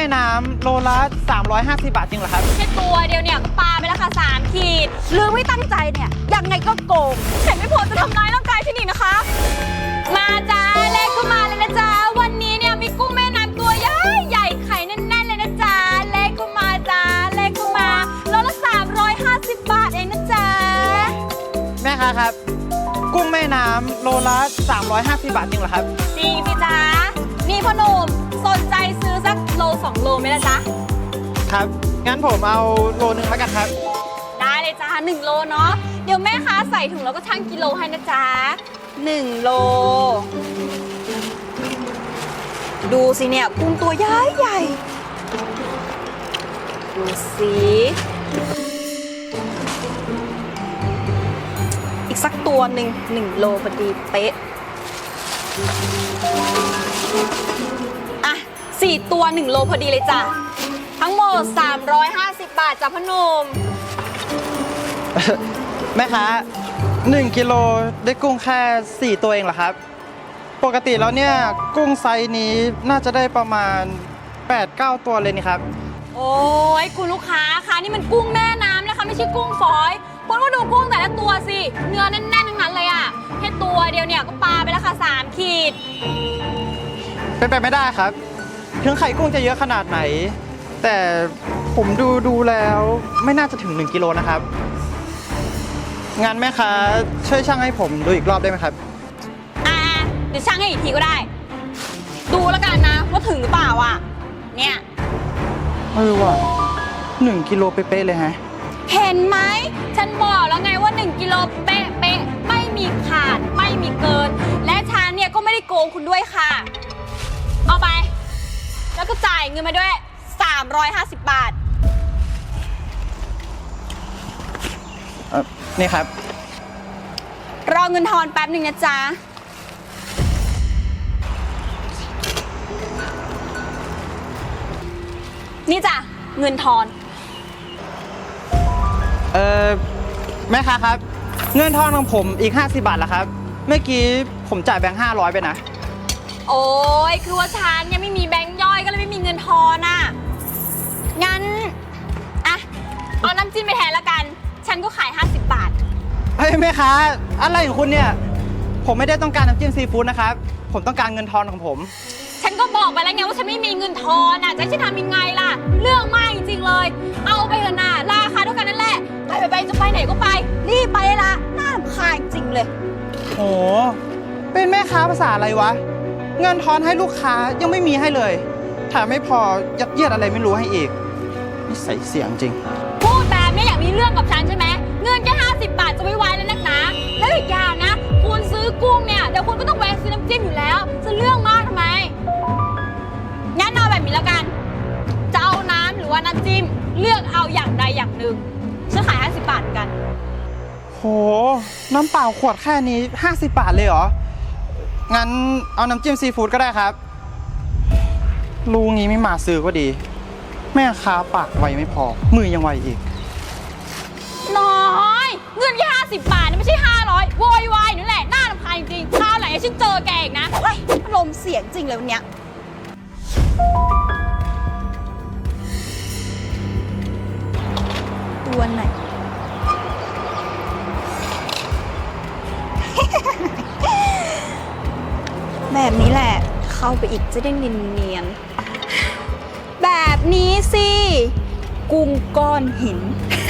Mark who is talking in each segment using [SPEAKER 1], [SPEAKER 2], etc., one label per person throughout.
[SPEAKER 1] น้ำโลละ350 บาทจริงเหรอครับ
[SPEAKER 2] แค่ตัวเดียวเนี่ยก็ปาไปแล้วค่ะ3 ขีดหรือไม่ตั้งใจเนี่ยยังไงก็โกงแต่ไม่พอจะทำร้ายร่างกายฉันอีกนะคะ มาจ้าเลขเข้ามาเลยนะจ๊ะวันนี้เนี่ยมีกุ้งแม่น้ำตัวใหญ่ใหญ่ไข่แน่นๆเลยนะจ๊ะเลขเข้ามาจ้าเลขเข้ามาโลละ350 บาทเองนะจ๊ะ
[SPEAKER 1] แม่ค้าครับกุ้งแม่น้ำโลละ350 บาทจริงเหรอครับ
[SPEAKER 2] จริงสิจ๊ะนี่พ่อหนุ่มสนใจซื้อสักโล2 โลไหมล่ะจ๊ะ
[SPEAKER 1] ครับงั้นผมเอาโลนึงแล้วกันครับ
[SPEAKER 2] ได้เลยจ้า1 โลเนาะเดี๋ยวแม่ค้าใส่ถุงแล้วก็ชั่งกิโลให้นะจ๊ะ1 โลดูสิเนี่ยกุ้งตัวใหญ่ใหญ่ดูสิอีกสักตัว1 โลพอดีเป๊ะอ่ะ4 ตัว1 โลพอดีเลยจ้ะทั้งหมด350 บาทจ้ะพ่อหนุ่ม
[SPEAKER 1] แม่ค้า1 กิโลได้กุ้งแค่4 ตัวเองเหรอครับปกติแล้วเนี่ยกุ้งไซส์นี้น่าจะได้ประมาณ 8-9 ตัวเลยนี่ครับ
[SPEAKER 2] โอ้ยคุณลูกค้าคะนี่มันกุ้งแม่น้ำนะคะไม่ใช่กุ้งฝอยคุณก็ดูกุ้งแต่ละตัวสิเนื้อแน่นๆทั้งนั้นเลยอะแค่ตัวเดียวเนี่ยก็ปาไปแล้วค่ะ3 ขีด
[SPEAKER 1] เป็นไปไม่ได้ครับถึงไข่กุ้งจะเยอะขนาดไหนแต่ผมดูแล้วไม่น่าจะถึง1 กิโลนะครับงานแม่ค้าช่วยชั่งให้ผมดูอีกรอบได้ไหมครับ
[SPEAKER 2] เดี๋ยวชั่งให้อีกทีก็ได้ดูแล้วกันนะว่าถึงหรือเปล่าอ่ะเนี่ย
[SPEAKER 1] ว่ะ1 กิโลเป๊ะๆเลยฮะ
[SPEAKER 2] เห็นไหมฉันบอกแล้วไงว่า1 กิโลเป๊ะไม่มีขาดไม่มีเกินและฉันเนี่ยก็ไม่ได้โกงคุณด้วยค่ะเอาไปแล้วก็จ่ายเงินมาด้วย350 บาท
[SPEAKER 1] นี่ครับ
[SPEAKER 2] รอเงินทอนแป๊บหนึ่งนะจ๊ะนี่จ้ะเงินทอน
[SPEAKER 1] แม่ค้าครับเงินทอนของผมอีก50 บาทละครับเมื่อกี้ผมจ่ายแบงค์500ไปนะ
[SPEAKER 2] โอ้ยคือว่าฉันยังไม่มีแบงค์ย่อยก็เลยไม่มีเงินทอนอ่ะงั้นอะเอาน้ำจิ้มไปแทนละกันฉันก็ขาย50 บาท
[SPEAKER 1] เฮ้ยแม่ค้าอะไรของคุณเนี่ยผมไม่ได้ต้องการน้ำจิ้มซีฟู้ดนะครับผมต้องการเงินทอนของผม
[SPEAKER 2] ฉันก็บอกไปแล้วไงว่าฉันไม่มีเงินทอนอ่ะจะให้ฉันทำยังไงล่ะเรื่องมากจริงๆเลยเอาไปเถอะนะราคาเท่ากันนั่นแหละไปจะไปไหนก็ไปรีบไปละน่ารำคาญจริงเลย
[SPEAKER 1] โหเป็นแม่ค้าภาษาอะไรวะเงินทอนให้ลูกค้ายังไม่มีให้เลยแถมไม่พอยัดเยียดอะไรไม่รู้ให้อีกนี่ใส่เสียงจริง
[SPEAKER 2] พูดแบบนี้อยากมีเรื่องกับฉันใช่ไหมเงินแค่50 บาทจะไม่ไหวแล้วนักหนาแล้วอีกอย่างนะคุณซื้อกุ้งเนี่ยเดี๋ยวคุณก็ต้องแวะซื้อน้ำจิ้มอยู่แล้วจะเรื่องมากทำไมงั้นเอาแบบนี้แล้วกันจะเอาน้ำหรือว่าน้ำจิ้มเลือกเอาอย่างใดอย่างหนึ่งฉันขาย50 บาทกัน
[SPEAKER 1] โหน้ำเปล่าขวดแค่นี้50 บาทเลยเหรองั้นเอาน้ำจิ้มซีฟู้ดก็ได้ครับลูกงี้ไม่มาซื้อก็ดีแม่ค้าปากไวไม่พอมือยังไวอีก
[SPEAKER 2] น้อยเงินแค่50 บาทนี่ไม่ใช่500โวยวายนั่นแหละน่ารำคาญจริงคราวไหนฉันเจอแกอีกนะอารมณ์เสียงจริงเลยวันเนี้ยตัวไหน แบบนี้แหละเข้าไปอีกจะได้เนียนๆแบบนี้สิกุ้งก้อนหิน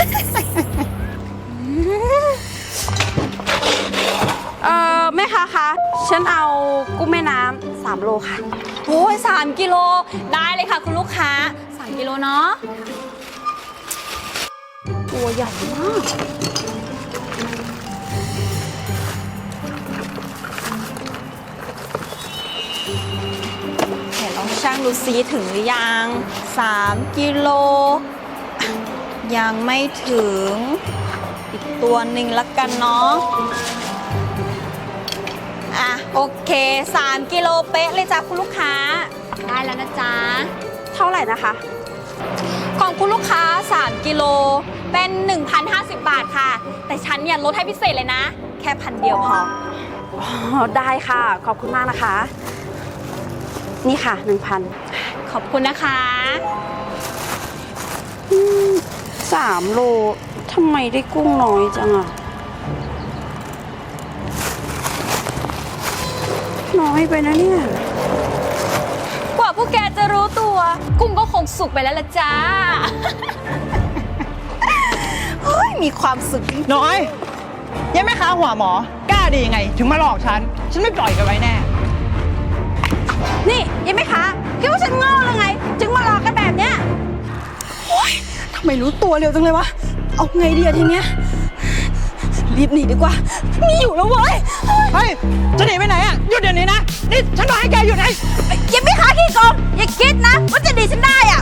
[SPEAKER 2] แม่ค้าคะฉันเอากุ้งแม่น้ำ3 โลค่ะโอ้ย3 กิโลได้เลยค่ะคุณลูกค้า3 กิโลเนาะตัวใหญ่มากเดี๋ยวลองชั่งดูซิถึงหรือยัง3 กิโลยังไม่ถึงอีกตัวหนึ่งละกันเนาะโอเค3 กิโลเป๊ะเลยจ้ะคุณลูกค้าได้แล้วนะจ๊ะเท่าไหร่นะคะของคุณลูกค้า3 กิโลเป็น 1,050 บาทค่ะแต่ฉันเนี่ยลดให้พิเศษเลยนะแค่1,000 เดียวพอได้ค่ะขอบคุณมากนะคะนี่ค่ะ 1,000 ขขอบคุณนะคะ
[SPEAKER 3] 3 โลทำไมได้กุ้งน้อยจังอะน้อยไปนะเนี่ย
[SPEAKER 2] กว่าพวกแกจะรู้ตัว กุ้งก็คงสุกไปแล้วล่ะจ้า
[SPEAKER 3] เฮ้ย มีความสุขจริง
[SPEAKER 1] น้อยยังไม่ค้าหัวหมอกล้าดียังไง ถึงมาหลอกฉันไม่ปล่อยกันไว้แน่
[SPEAKER 3] นี่ยังไม่คะคิดว่าฉันโง่หรือไง จึงมาหลอกกันแบบเนี้ยโอ๊ยทำไมรู้ตัวเร็วจังเลยวะ เอาไงดีอะทีเนี้ย รีบหนีดีกว่าไม่อยู่แล้วเว้ย
[SPEAKER 1] เฮ้ย จะหนีไปไหนอ่ะ หยุดเดี๋ยวนี้นะ นี่ฉันบอกให้แกหยุดไง
[SPEAKER 3] ยังไม่คะขี้โกงอย่าคิดนะว่าจะหนีฉันได้อะ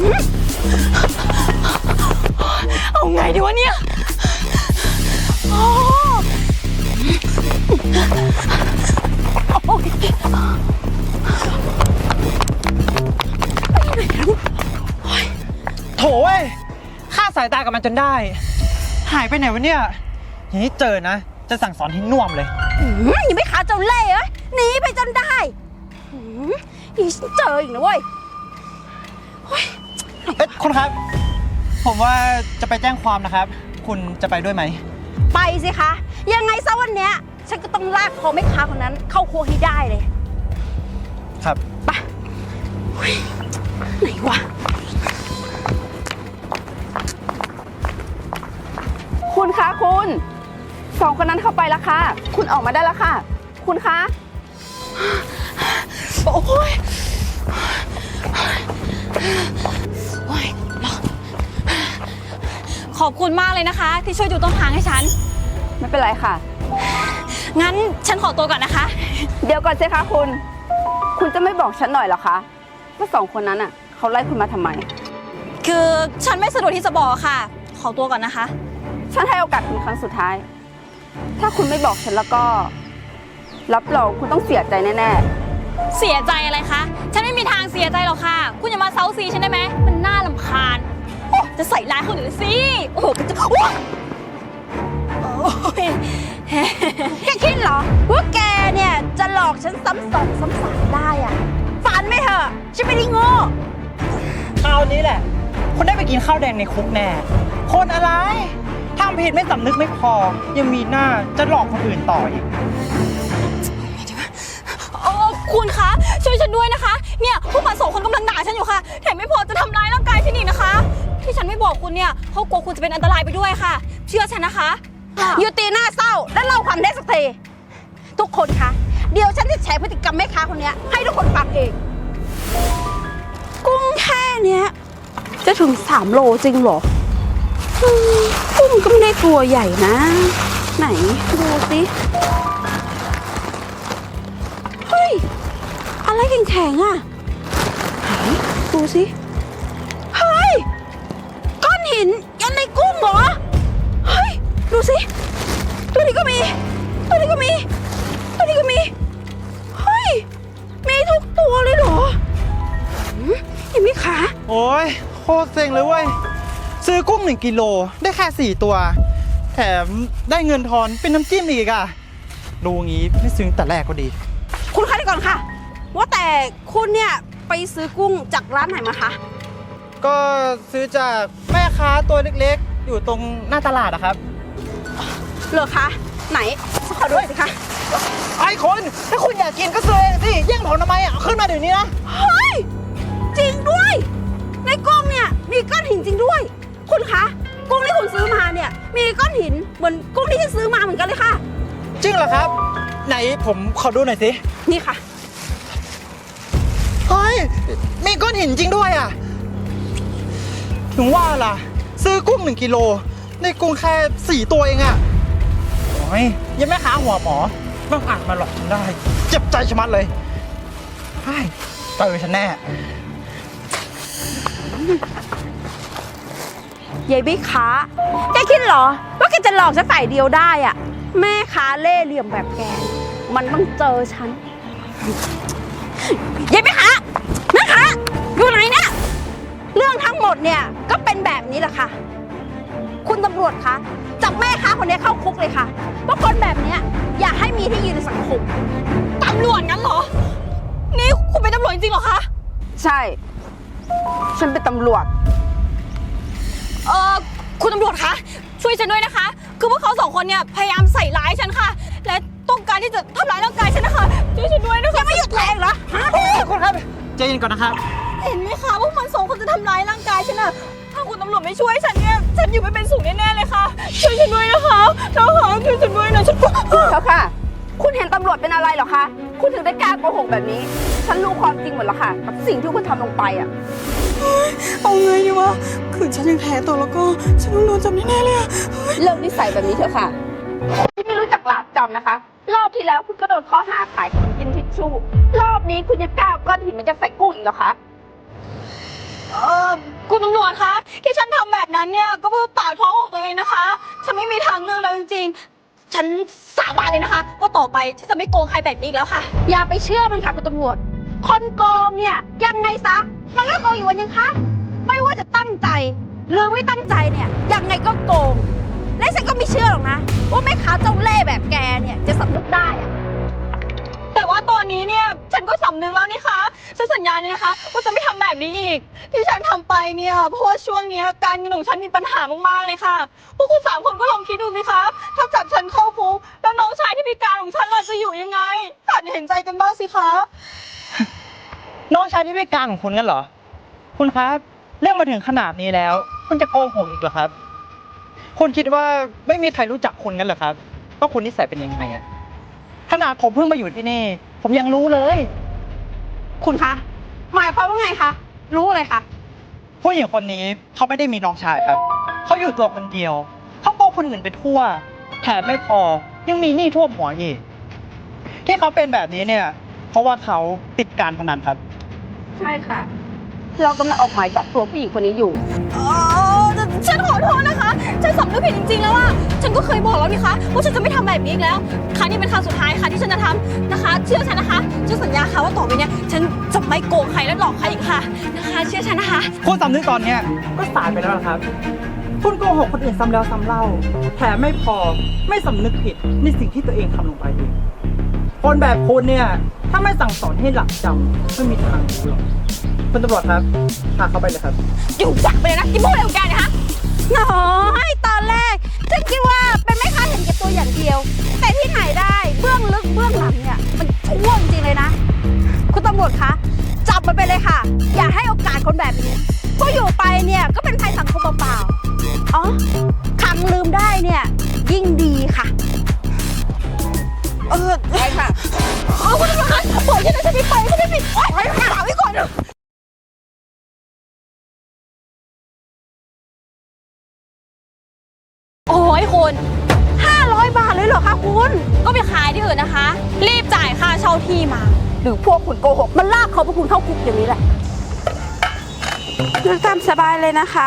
[SPEAKER 3] เอาไงดีวะเนี่ยอ๋อโอ๊ย
[SPEAKER 1] โถเว้ยฆ่าสายตากับมันจนได้ หายไปไหนวะเนี่ยอย่างนี้เจอนะ จะสั่งสอนให้น่วมเลย
[SPEAKER 3] ยังไม่ขาเจ้าเล่ห์เอ้ยหนีไปจนได้อีฉันเจออีกนะเว้ย
[SPEAKER 1] เอ๊ะคุณครับ ผมว่าจะไปแจ้งความนะครับ คุณจะไปด้วยไหม
[SPEAKER 3] ไปสิคะ ยังไงซะวันเนี้ยฉันก็ต้องลากคอแม่ค้าคนนั้นเข้าครัวให้ได้เลย
[SPEAKER 1] ครับ
[SPEAKER 3] ไปเฮ้ยไหนวะ คุณคะคุณ2 คนนั้นเข้าไปแล้วค่ะ คุณออกมาได้แล้วค่ะ คุณคะ โอ้ยโอ้ย
[SPEAKER 2] ขอบคุณมากเลยนะคะ ที่ช่วยดูต้นทางให้ฉัน
[SPEAKER 3] ไม่เป็นไรค่ะ
[SPEAKER 2] งั้นฉันขอตัวก่อนนะคะ
[SPEAKER 3] เดี๋ยวก่อนสิคะคุณจะไม่บอกฉันหน่อยเหรอคะว่า2 คนนั้นอ่ะเขาไล่คุณมาทำไม
[SPEAKER 2] คือฉันไม่สะดวกที่จะบอกค่ะ ขอตัวก่อนนะคะ
[SPEAKER 3] ฉันให้โอกาสคุณครั้งสุดท้าย ถ้าคุณไม่บอกฉันแล้วก็ รับรองคุณต้องเสียใจแน่
[SPEAKER 2] เสียใจอะไรคะ ฉันไม่มีทางเสียใจหรอกค่ะ คุณอย่ามาเซาซีฉันได้ไหม มันน่ารำคาญโอ้จะใส่ร้ายคนอื่นสิ โอ้โหจะอ้วกโอ้ย
[SPEAKER 3] ๆ แกคิดเหรอว่าแกเนี่ยจะหลอกฉันซ้ำสองซ้ำสามได้อ่ะฝันไม่เถอะฉันไม่ได้โง่
[SPEAKER 1] คราวนี้แหละ คุณได้ไปกินข้าวแดงในคุกแน่ คนอะไรทำผิดไม่สำนึกไม่พอ ยังมีหน้าจะหลอกคนอื่นต่ออีก
[SPEAKER 2] โอ้คุณคะ ช่วยฉันด้วยนะคะ เนี่ยพวกมัน2 คนกำลังด่าฉันอยู่ค่ะ แถมไม่พอจะทำร้ายร่างกายฉันอีกนะคะ ที่ฉันไม่บอกคุณเนี่ยเพราะกลัวคุณจะเป็นอันตรายไปด้วยค่ะ เชื่อฉันนะคะ
[SPEAKER 3] ยุติหน้าเศร้าและเล่าความเท็จสักทีทุกคนคะเดี๋ยวฉันจะแฉพฤติกรรมแม่ค้าคนเนี้ยให้ทุกคนฟังเอง กุ้งแค่เนี้ยจะถึง3 โลจริงเหรอกุ้งก็ไม่ได้ตัวใหญ่นะ ไหนดูสิเฮ้ยอะไรแข็งๆอ่ะไหนดูสิเฮ้ยก้อนหินยันในกุ้งเหรอเฮ้ยดูสิตัวนี้ก็มีตัวนี้ก็มีตัวนี้ก็มีเฮ้ยมีทุกตัวเลยเหรอเห็นไหมคะ
[SPEAKER 1] โอ้ยโคตรเซ็งเลยเว้ย ซื้อกุ้ง1 กิโลได้แค่ 4 ตัว แถมได้เงินทอนเป็นน้ำจิ้มอีกอ่ะ ดูงี้ไม่ซื้อแต่แรกก็ดี
[SPEAKER 3] คุณคะเดี๋ยวก่อนค่ะ ว่าแต่คุณเนี่ยไปซื้อกุ้งจากร้านไหนมาคะ
[SPEAKER 1] ก็ซื้อจากแม่ค้าตัวเล็กๆ อยู่ตรงหน้าตลาดอะครับ
[SPEAKER 3] เหรอคะไหนขอดูสิคะ
[SPEAKER 1] ไอ้คนถ้าคุณอยากกินก็ซื้อเองสิแย่งผมทำไมอ่ะเอาขึ้นมาเดี๋ยวนี้นะ
[SPEAKER 3] เฮ้ยจริงด้วยในกุ้งเนี่ยมีก้อนหินจริงด้วย คุณคะกุ้งที่คุณซื้อมาเนี่ยมีก้อนหินเหมือนกุ้งที่ฉันซื้อมาเหมือนกันเลยค่ะ
[SPEAKER 1] จริงเหรอครับ ไหนผมขอดูหน่อยสิ
[SPEAKER 3] นี่ค่ะ
[SPEAKER 1] เฮ้ย มีก้อนหินจริงด้วยอ่ะ ถึงว่าล่ะ ซื้อกุ้ง1 กิโลได้กุ้งแค่4 ตัวเองอ่ะโอ้ยยังไม่ค้าหัวหมอต้องอาจมาหลอกฉันได้ เจ็บใจชะมัดเลยใช่เจอฉันแน่
[SPEAKER 3] ยายบิ๊กค้าแกคิดเหรอว่าแกจะหลอกฉันฝ่ายเดียวได้อะแม่ค้าเล่ห์เหลี่ยมแบบแกมันต้องเจอฉันยายบิ๊กค้าแม่ค้าอยู่ไหนเนี่ยเรื่องทั้งหมดเนี่ยก็เป็นแบบนี้แหละค่ะ คุณตำรวจคะจับแม่ค้าคนนี้เข้าคุกเลยค่ะเพราะคนแบบเนี้ยอย่าให้มีที่ยืนในสังคม
[SPEAKER 2] ตำรวจงั้นเหรอ นี่คุณเป็นตำรวจจริงๆเหรอคะ
[SPEAKER 3] ใช่ฉันเป็นตำรวจ
[SPEAKER 2] คุณตำรวจคะช่วยฉันด้วยนะคะ คือพวกเขาสองคนเนี่ยพยายามใส่ร้ายฉันค่ะ และต้องการที่จะทำร้ายร่างกายฉันนะคะช่วยฉันด้วยนะคะไม่หยุดแรงเหรอ
[SPEAKER 1] คุณครับใจเย็นก่อนนะครับ
[SPEAKER 2] เห็นไหมคะพวกมันสองคนจะทำร้ายร่างกายฉันอะถ้าคุณตำรวจไม่ช่วยฉันเนี่ยฉันอยู่ไม่เป็นสุขแน่ๆเลยค่ะช่วยฉันด้วยนะคะนะคะช่วยฉันด้วยนะฉัน
[SPEAKER 3] เจ้าค่ะ คุณเห็นตำรวจเป็นอะไรเหรอคะ คุณถึงได้กล้าโกหกแบบนี้ ฉันรู้ความจริงหมดแล้วค่ะ กับสิ่งที่คุณทำลงไปอ่ะ
[SPEAKER 2] เอาไงดีวะคือฉันยังแพ้ตัวแล้วก็ฉันต้องโดนจับแน่ๆเลยอะ
[SPEAKER 3] เลิกนิสัยแบบนี้เถอะค่ะที่ไม่รู้จักหลาบจำนะคะ รอบที่แล้วคุณก็โดนข้อหาขายของกินทิชชู่ รอบนี้คุณจะกล้าเอาก้อนหินมันจะใส่กุ้งอีกเหรอคะ
[SPEAKER 2] คุณตำรวจคะที่ฉันทำแบบนั้นเนี่ยก็เพื่อปากท้องของตัวเองนะคะฉันไม่มีทางเลือกแล้วจริงๆฉันสาบานเลยนะคะว่าต่อไปฉันจะไม่โกงใครแบบนี้อีกแล้วค่ะ
[SPEAKER 3] อย่าไปเชื่อมันค่ะคุณตำรวจ คนโกงเนี่ยยังไงซะ มันก็โกงอยู่วันยังคะ ไม่ว่าจะตั้งใจหรือไม่ตั้งใจเนี่ยยังไงก็โกง และฉันก็ไม่เชื่อหรอกนะ ว่าแม่ค้าเจ้าเล่ห์แบบแกเนี่ยจะสำนึกได้อะ
[SPEAKER 2] แต่ว่าตอนนี้เนี่ยฉันก็สำนึกแล้วนี่คะฉันสัญญาเนี่ยนะคะว่าจะไม่ทำแบบนี้อีก ที่ฉันทำไปเนี่ยเพราะว่าช่วงเนี้ยการเงินของฉันมีปัญหามากๆเลยค่ะพวกคุณสามคนก็ลองคิดดูสิคะถ้าจับฉันเข้าคุกแล้วน้องชายที่พิการของฉันล่ะจะอยู่ยังไงหัดเห็นใจกันบ้างสิคะ
[SPEAKER 1] น้องชายที่พิการของคุณงั้นเหรอ คุณครับเรื่องมาถึงขนาดนี้แล้ว คุณจะโกหกอีกเหรอครับ คุณคิดว่าไม่มีใครรู้จักคุณงั้นเหรอครับว่าคุณนิสัยเป็นยังไงอะขนาดผมเพิ่งมาอยู่ที่นี่ ผมยังรู้เลย
[SPEAKER 3] คุณคะ หมายความว่าไงคะ รู้เลยค่ะ
[SPEAKER 1] ผู้หญิงคนนี้เขาไม่ได้มีน้องชายครับ เขาอยู่ตัวคนเดียว เขาโกงคนอื่นไปทั่ว แถมไม่พอ ยังมีหนี้ท่วมหัวอีก ที่เขาเป็นแบบนี้เนี่ย เพราะว่าเขาติดการพนันครับ
[SPEAKER 3] ใช่ค่ะ เรากำลังออกหมายจับตัวผู้หญิงคนนี้อยู่
[SPEAKER 2] ฉันขอโทษนะคะ ฉันสำนึกผิดจริงๆแล้วว่าฉันก็เคยบอกแล้วนี่คะว่าฉันจะไม่ทำแบบนี้อีกแล้ว ครั้งนี้เป็นครั้งสุดท้ายค่ะที่ฉันจะทำนะคะ เชื่อฉันนะคะฉันสัญญาค่ะว่าต่อไปเนี้ยฉันจะไม่โกงใครและหลอกใครอีกค่ะนะคะ เชื่อฉันนะคะ
[SPEAKER 1] คุณสำนึกตอนเนี้ยก็สายไปแล้วนะครับ คุณโกหกคนอื่นซ้ำแล้วซ้ำเล่า แถมไม่พอไม่สำนึกผิดในสิ่งที่ตัวเองทำลงไปอีกคนแบบคุณเนี่ย ถ้าไม่สั่งสอนให้หลักจำไม่มีทางรู้หรอกคุณตำรวจครับพาเขาไปเลยครับ
[SPEAKER 2] อยู่จักไปเลยนะกินพวกอะไรของแกเนะคะ
[SPEAKER 3] น้อยตอนแรกฉันคิดว่าเป็นแม่ค้าเห็นแก่ตัวอย่างเดียว แต่ที่ไหนได้เบื้องลึกเบื้องหลังเนี่ยมันชั่วจริงๆเลยนะ คุณตำรวจคะจับมันไปเลยค่ะ อย่าให้โอกาสคนแบบนี้เพราะอยู่ไปเนี่ยก็เป็นภัยสังคมเปล่าๆอ๋อขังลืมได้เนี่ยยิ่งดีค่ะใช่ค่ะ
[SPEAKER 2] คุณตำรวจคะปล่อยฉันนะฉันไม่ไปฉันไม่ปิดโอ๊ยไปหาไว้ก่อนเถอะโอ้ยคุณ
[SPEAKER 3] 500 บาทเลยเหรอคะคุณ
[SPEAKER 2] ก็ไปขายที่อื่นนะคะ รีบจ่ายค่าเช่าที่มา
[SPEAKER 3] หรือพวกคุณโกหกมันลากเขาพวกคุณเข้าคุกอย่างนี้แหละตามสบายเลยนะคะ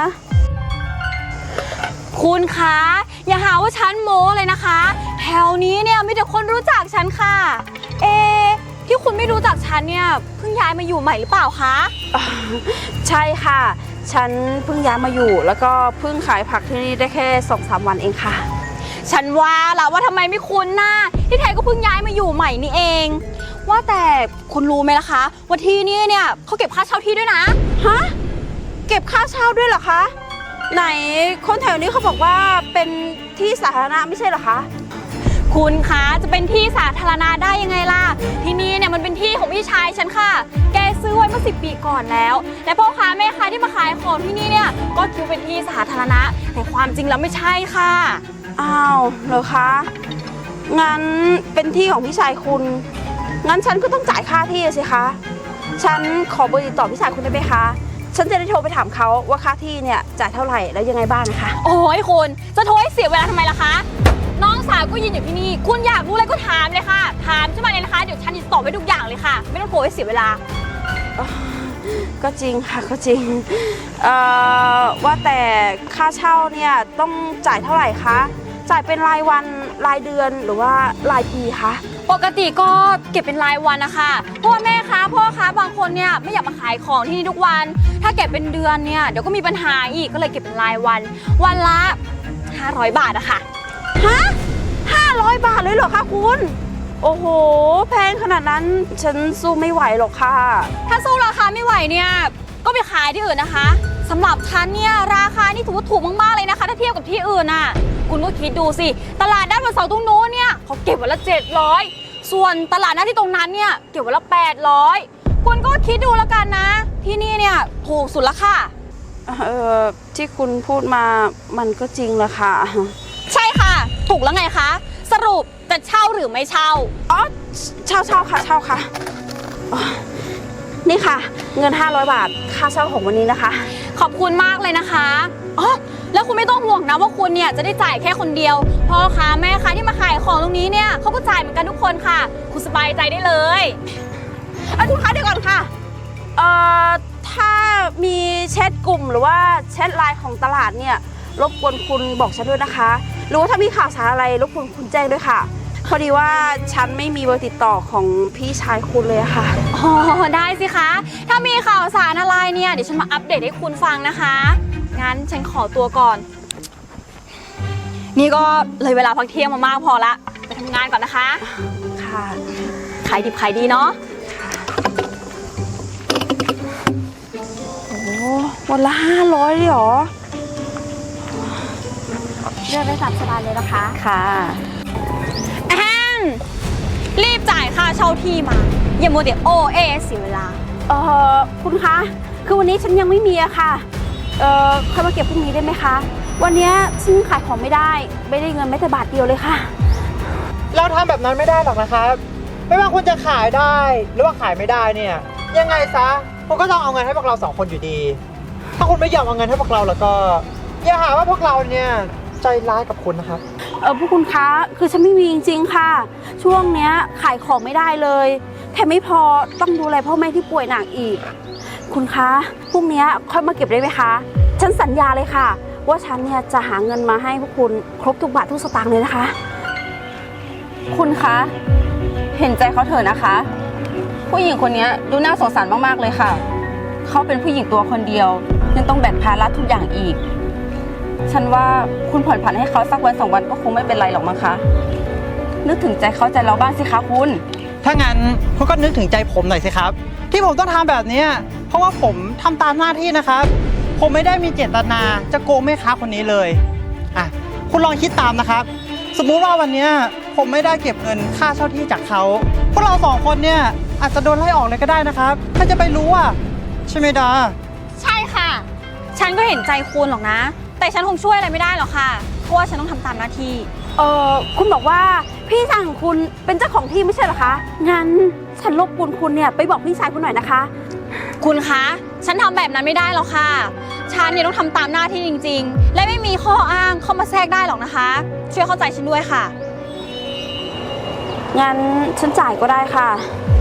[SPEAKER 2] คุณคะอย่าหาว่าฉันโม้เลยนะคะ แถวนี้เนี่ยมีแต่คนรู้จักฉันค่ะ ที่คุณไม่รู้จักฉันเนี่ยเพิ่งย้ายมาอยู่ใหม่หรือเปล่าคะ
[SPEAKER 3] ใช่ค่ะ ฉันเพิ่งย้ายมาอยู่ แล้วก็เพิ่งขายผักที่นี่ได้แค่ 2-3 วันเองค่ะ
[SPEAKER 2] ฉันว่าล่ะว่าทำไมไม่คุ้นหน้าที่แท้ก็เพิ่งย้ายมาอยู่ใหม่นี่เอง ว่าแต่คุณรู้ไหมล่ะคะว่าที่นี่เนี่ยเขาเก็บค่าเช่าที่ด้วยนะ
[SPEAKER 3] ฮะ เก็บค่าเช่าด้วยเหรอคะ ไหนคนแถวนี้เขาบอกว่าเป็นที่สาธารณะไม่ใช่เหรอคะ
[SPEAKER 2] คุณคะจะเป็นที่สาธารณะได้ยังไงล่ะที่นี่เนี่ยมันเป็นที่ของพี่ชายฉันค่ะ แกซื้อไว้เมื่อ10 ปีก่อนแล้วและพ่อค้าแม่ค้าที่มาขายของที่นี่เนี่ยก็คิดว่าเป็นที่สาธารณะแต่ความจริงแล้วไม่ใช่ค่ะ
[SPEAKER 3] อ้าวเหรอคะ งั้นเป็นที่ของพี่ชายคุณ งั้นฉันก็ต้องจ่ายค่าที่สิคะ ฉันขอเบอร์ติดต่อพี่ชายคุณได้ไหมคะ ฉันจะได้โทรไปถามเขาว่าค่าที่เนี่ยจ่ายเท่าไหร่แล้วยังไงบ้างนะคะ
[SPEAKER 2] โอ้ยคุณจะโทรให้เสียเวลาทำไมล่ะคะน้องสาวก็ยืนอยู่ที่นี่คุณอยากรู้อะไรก็ถามเลยค่ะถามขึ้นมาเลยนะคะเดี๋ยวฉันจะตอบให้ทุกอย่างเลยค่ะ ไม่ต้องโทรให้เสียเวลา
[SPEAKER 3] ก็จริงค่ะก็จริง ว่าแต่ค่าเช่าเนี่ยต้องจ่ายเท่าไหร่คะ จ่ายเป็นรายวันรายเดือนหรือว่ารายปีคะ
[SPEAKER 2] ปกติก็เก็บเป็นรายวันนะคะเพราะว่าแม่ค้าพ่อค้าบางคนเนี่ยไม่อยากมาขายของที่นี่ทุกวัน ถ้าเก็บเป็นเดือนเนี่ยเดี๋ยวก็มีปัญหาอีกก็เลยเก็บเป็นรายวัน วันละ500 บาทอะค่ะ
[SPEAKER 3] ฮะ500 บาทเลยเหรอคะคุณ โอ้โห แพงขนาดนั้นฉันสู้ไม่ไหวหรอกค่ะ
[SPEAKER 2] ถ้าสู้ราคาไม่ไหวเนี่ยก็ก็ไปขายที่อื่นนะคะสำหรับฉันเนี่ยราคานี่ถือว่าถูกมากๆเลยนะคะถ้าเทียบกับที่อื่นน่ะคุณก็คิดดูสิตลาดด้านวันเสาร์ตรงโน้นเนี่ยเขาเก็บวันละ700ส่วนตลาดหน้าที่ตรงนั้นเนี่ยเก็บวันละ800คุณก็คิดดูแล้วกันนะที่นี่เนี่ยถูกสุดละค่ะ
[SPEAKER 3] ที่คุณพูดมามันก็จริงแหละค่ะ
[SPEAKER 2] ใช่ค่ะถูกแล้วไงคะสรุปจะเช่าหรือไม่เช่า
[SPEAKER 3] อ๋อเช่าค่ะเช่าค่ะนี่ค่ะเงิน500 บาทค่าเช่าของวันนี้นะคะ
[SPEAKER 2] ขอบคุณมากเลยนะคะอ๋อแล้วคุณไม่ต้องห่วงนะว่าคุณเนี่ยจะได้จ่ายแค่คนเดียวพ่อค้าแม่ค้าที่มาขายของตรงนี้เนี่ยเขาก็จ่ายเหมือนกันทุกคนค่ะคุณสบายใจได้เลย
[SPEAKER 3] คุณคะเดี๋ยวก่อนค่ะถ้ามีแชทกลุ่มหรือว่าแชทไลน์ของตลาดเนี่ยรบกวนคุณบอกฉันด้วยนะคะหรือว่าถ้ามีข่าวสารอะไรรบกวนคุณแจ้งด้วยค่ะพอดีว่าฉันไม่มีเบอร์ติดต่อของพี่ชายคุณเลยค่ะ
[SPEAKER 2] อ๋อได้สิคะถ้ามีข่าวสารอะไรเนี่ยเดี๋ยวฉันมาอัปเดตให้คุณฟังนะคะงั้นฉันขอตัวก่อนนี่ก็เลยเวลาพักเที่ยงมามากพอละไปทำงานก่อนนะคะ
[SPEAKER 3] ค่ะ
[SPEAKER 2] ขายดิบขายดีเนาะ
[SPEAKER 3] โอ้วันละ500เลยเหรอเลือกได้ตามสบายเลยนะคะ
[SPEAKER 2] ค่ะรีบจ่ายค่าเช่าที่มาอย่ามัวแต่โอเอเสียเวลา
[SPEAKER 3] คุณคะคือวันนี้ฉันยังไม่มีอะค่ะค่อยมาเก็บพรุ่งนี้ได้ไหมคะวันนี้ฉันขายของไม่ได้เงินแม้แต่บาทเดียวเลยค่ะ
[SPEAKER 1] เราทำแบบนั้นไม่ได้หรอกนะครับไม่ว่าคุณจะขายได้หรือว่าขายไม่ได้เนี่ยยังไงซะคุณก็ต้องเอาเงินให้พวกเรา2 คนอยู่ดีถ้าคุณไม่ยอมเอาเงินให้พวกเราแล้วก็อย่าหาว่าพวกเราเนี่ยใจร้ายกับคุณนะครับ
[SPEAKER 3] พวกคุณคะคือฉันไม่มีจริงๆค่ะช่วงเนี้ยขายของไม่ได้เลยแถมไม่พอต้องดูแลพ่อแม่ที่ป่วยหนักอีกคุณคะพรุ่งนี้ค่อยมาเก็บได้ไหมคะฉันสัญญาเลยค่ะว่าฉันเนี่ยจะหาเงินมาให้พวกคุณครบทุกบาททุกสตางค์เลยนะคะ
[SPEAKER 4] คุณคะเห็นใจเขาเถอะนะคะผู้หญิงคนนี้ดูน่าสงสารมากๆเลยค่ะเขาเป็นผู้หญิงตัวคนเดียวยังต้องแบกภาระทุกอย่างอีกฉันว่าคุณผ่อนผันให้เขาสักวัน2 วันก็คงไม่เป็นไรหรอกมั้งคะนึกถึงใจเขาใจเราบ้างสิคะคุณ
[SPEAKER 1] ถ้างั้นคุณก็นึกถึงใจผมหน่อยสิครับที่ผมต้องทำแบบนี้เพราะว่าผมทำตามหน้าที่นะครับผมไม่ได้มีเจตนาจะโกงแม่ค้าคนนี้เลยคุณลองคิดตามนะครับสมมุติว่าวันนี้ผมไม่ได้เก็บเงินค่าเช่าที่จากเขาพวกเรา2 คนเนี่ยอาจจะโดนไล่ออกเลยก็ได้นะครับถ้าจะไปรู้ใช่ไหมดา
[SPEAKER 2] ใช่ค่ะฉันก็เห็นใจคุณหรอกนะแต่ฉันคงช่วยอะไรไม่ได้หรอกค่ะเพราะว่าฉันต้องทำตามหน้าที่
[SPEAKER 3] คุณบอกว่าพี่ชายของคุณเป็นเจ้าของที่ไม่ใช่เหรอคะงั้นฉันรบกวนคุณเนี่ยไปบอกพี่ชายคุณหน่อยนะคะ
[SPEAKER 2] คุณคะฉันทำแบบนั้นไม่ได้หรอกค่ะฉันเนี่ยต้องทำตามหน้าที่จริงๆและไม่มีข้ออ้างเข้ามาแทรกได้หรอกนะคะช่วยเข้าใจฉันด้วยค่ะ
[SPEAKER 3] งั้นฉันจ่ายก็ได้ค่ะ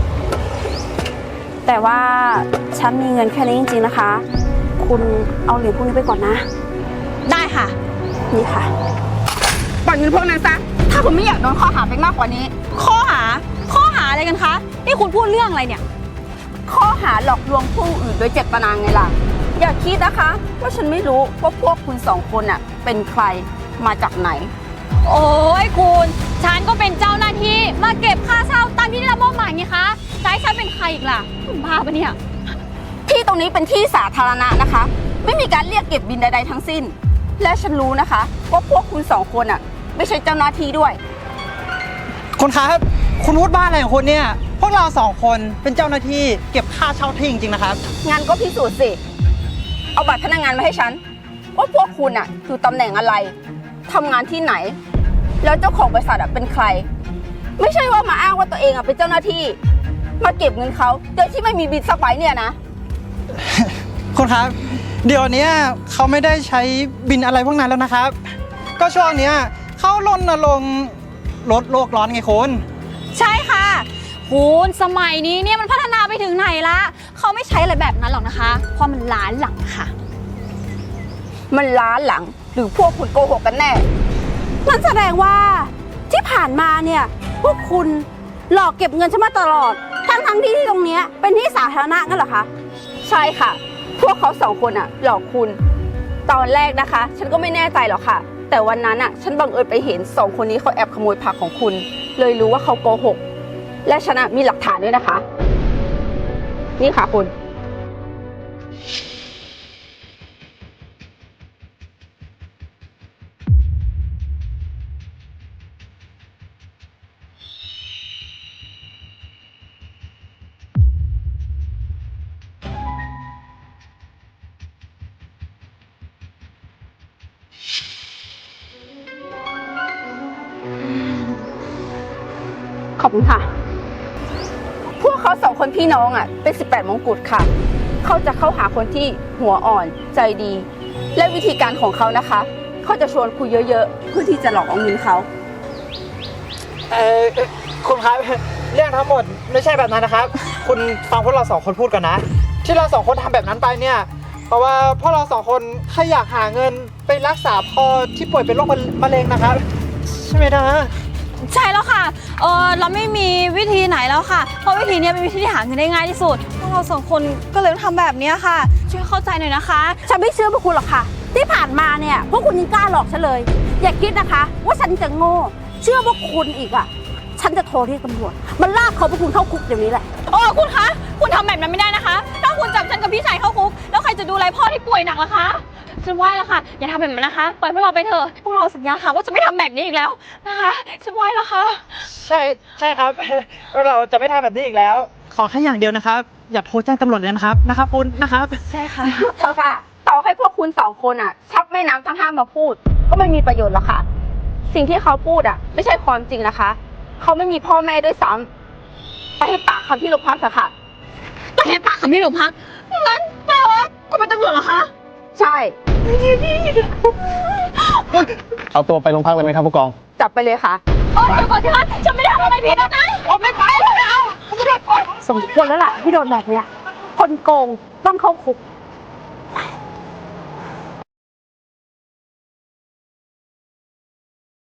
[SPEAKER 3] แต่ว่าฉันมีเงินแค่นี้จริงๆนะคะคุณเอาเหรียญพวกนี้ไปก่อนนะ
[SPEAKER 2] ได้ค่ะ
[SPEAKER 3] นี่ค่ะ
[SPEAKER 4] ปล่อยเงินพวกนั้นซะถ้าคุณไม่อยากโดนข้อหาไปมากกว่านี้
[SPEAKER 2] ข้อหาอะไรกันคะนี่คุณพูดเรื่องอะไรเนี่ย
[SPEAKER 4] ข้อหาหลอกลวงผู้อื่นโดยเจตนาไงล่ะอย่าคิดนะคะว่าฉันไม่รู้ว่าพวกคุณ2 คนเป็นใครมาจากไหน
[SPEAKER 2] โอ้ยคุณฉันก็เป็นเจ้าหน้าที่มาเก็บค่าเช่าตามที่ได้รับมอบหมายไงคะจะให้ฉันเป็นใครอีกล่ะคุณบ้าปะเนี่ย
[SPEAKER 4] ที่ตรงนี้เป็นที่สาธารณะนะคะไม่มีการเรียกเก็บบินใดๆทั้งสิ้นและฉันรู้นะคะว่าพวกคุณ2 คนไม่ใช่เจ้าหน้าที่ด้วย
[SPEAKER 1] คุณครับคุณพูดบ้าอะไรของคุณเนี่ยพวกเรา2 คนเป็นเจ้าหน้าที่เก็บค่าเช่าที่จริงๆนะครับ
[SPEAKER 4] งั้นก็พิสูจน์สิเอาบัตรพนักงานมาให้ฉันว่าพวกคุณอยู่ตำแหน่งอะไรทำงานที่ไหนแล้วเจ้าของบริษัทเป็นใครไม่ใช่ว่ามาอ้างว่าตัวเองเป็นเจ้าหน้าที่มาเก็บเงินเขาโดยที่ไม่มีบิลสักใบเนี่ยนะ
[SPEAKER 1] คุณครับเดี๋ยวนี้เขาไม่ได้ใช้บินอะไรพวกนั้นแล้วนะครับก็ช่วงนี้เขารณรงค์ลดโลกร้อนไงคุณ
[SPEAKER 2] ใช่ค่ะคุณสมัยนี้เนี่ยมันพัฒนาไปถึงไหนละเขาไม่ใช้อะไรแบบนั้นหรอกนะคะเพราะมันล้าหลังค่ะ
[SPEAKER 4] มันล้าหลังหรือพวกคุณโกหกกันแน่
[SPEAKER 3] นั่นแสดงว่าที่ผ่านมาเนี่ยพวกคุณหลอกเก็บเงินฉันมาตลอดทั้งที่ตรงนี้เป็นที่สาธารณะงั้นเหรอคะ
[SPEAKER 4] ใช่ค่ะพวกเขา2 คนหลอกคุณตอนแรกนะคะฉันก็ไม่แน่ใจหรอกค่ะแต่วันนั้นฉันบังเอิญไปเห็น2 คนนี้เขาแอบขโมยผักของคุณเลยรู้ว่าเขาโกหกและฉันมีหลักฐานด้วยนะคะนี่ค่ะคุณ
[SPEAKER 3] ขอบคุณค่ะ
[SPEAKER 4] พวกเขาสองคนพี่น้องเป็น18มงกุฎค่ะ เขาจะเข้าหาคนที่หัวอ่อนใจดี และวิธีการของเขานะคะ เขาจะชวนคุยเยอะๆ เพื่อที่จะหลอกเอาเงินเขา
[SPEAKER 1] คุณครับ เรื่องทั้งหมดไม่ใช่แบบนั้นนะครับ คุณฟังพวกเราสองคนพูดกันนะ ที่เราสองคนทำแบบนั้นไปเนี่ย เพราะว่าพวกเราสองคนแค่อยากหาเงินไปรักษาพ่อที่ป่วยเป็นโรคมะเร็งนะครับ ใช่ไหมนะ
[SPEAKER 2] ใช่แล้วค่ะ เราไม่มีวิธีไหนแล้วค่ะ เพราะวิธีนี้เป็นวิธีที่หาเงินได้ง่ายที่สุด พวกเราสองคนก็เลยต้องทำแบบนี้ค่ะ ช่วยเข้าใจหน่อยนะคะ
[SPEAKER 3] ฉันไม่เชื่อพวกคุณหรอกค่ะ ที่ผ่านมาเนี่ยพวกคุณยังกล้าหลอกฉันเลย อย่าคิดนะคะ ว่าฉันจะโง่ เชื่อว่าคุณอีกอ่ะ ฉันจะโทรเรียกตำรวจมันลากเขาพวกคุณเข้าคุกเดี๋ยวนี้แหละ
[SPEAKER 2] คุณคะ คุณทำแบบนั้นไม่ได้นะคะ ถ้าคุณจับฉันกับพี่ชายเข้าคุก แล้วใครจะดูแลพ่อที่ป่วยหนักล่ะคะ ฉันไหว้แล้วค่ะ อย่าทำแบบนั้นนะคะ ปล่อยพวกเราไปเถอะ พวกเราสัญญาค่ะว่าจะไม่ทำแบบนี้อีกแล้วนะคะ ฉันไหว้แล้วค่ะ
[SPEAKER 1] ใช่ครับ เราจะไม่ทำแบบนี้อีกแล้ว ขอแค่อย่างเดียวนะครับ อย่าโทรแจ้งตำรวจเลยนะครับคุณนะครับ
[SPEAKER 2] ใช่ค่ะ
[SPEAKER 4] เธอค่ะ ต่อให้พวกคุณสองคนชักแม่น้ำทั้งห้ามมาพูด ก็ไม่มีประโยชน์หรอกค่ะ สิ่งที่เขาพูดไม่ใช่ความจริงนะคะ เขาไม่มีพ่อแม่ด้วยซ้ำไปให้ปากคำที่โรงพักเถอะค่ะ
[SPEAKER 2] ไปให้ปากกับพี่หนูพักงั้นแปลว่าคุณเป็นตำรวจเหรอคะ
[SPEAKER 4] ใช่
[SPEAKER 5] เอาตัวไปโรงพักเลยไหมครับผู้กอง
[SPEAKER 4] จับไปเลยค่ะ
[SPEAKER 2] เดี๋ยวก่อนสิคะฉันไม่ได้ทำอะไรผิดนะผมไม่ไปแล้ว
[SPEAKER 3] สมควรแล้วล่ะที่โดนแบบเนี้ย คนโกงต้องเข้าคุก